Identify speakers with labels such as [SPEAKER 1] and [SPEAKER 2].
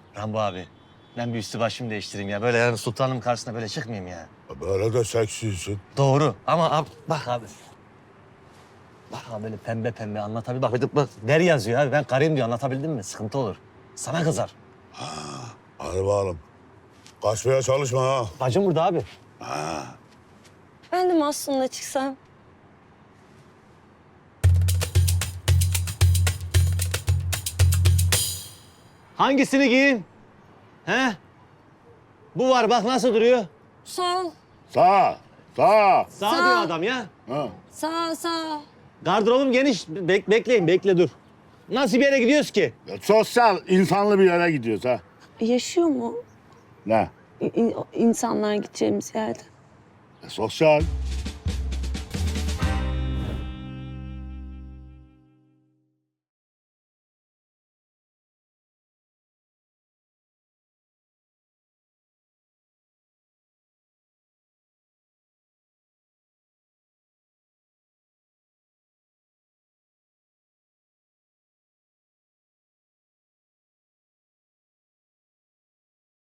[SPEAKER 1] Rambo abi, ben bir üstü başımı değiştireyim ya. Böyle yani sultanım karşısına böyle çıkmayayım ya.
[SPEAKER 2] Böyle de seksisin.
[SPEAKER 1] Doğru ama bak abi. Bak abi böyle pembe pembe anlatabil. Bak der yazıyor abi. Ben karıyım diyor, anlatabildim mi? Sıkıntı olur. Sana kızar.
[SPEAKER 2] Hadi bakalım. Kaçmaya çalışma ha.
[SPEAKER 1] Bacım burada abi.
[SPEAKER 3] Ben de Mahsun'la çıksam.
[SPEAKER 1] Hangisini giyin? He? Bu var bak nasıl duruyor.
[SPEAKER 3] Sol,
[SPEAKER 2] Sağ. Sağ.
[SPEAKER 1] Sağ
[SPEAKER 3] Sağ.
[SPEAKER 1] diyor adam ya.
[SPEAKER 2] Ha.
[SPEAKER 3] sağ.
[SPEAKER 1] Gardırobum geniş. Bekleyin, bekle dur. Nasıl bir yere gidiyoruz ki?
[SPEAKER 2] Sosyal, insanlı bir yere gidiyoruz ha.
[SPEAKER 3] Yaşıyor mu
[SPEAKER 2] Ne?
[SPEAKER 3] insanlar gideceğimiz yerde?
[SPEAKER 2] Sosyal.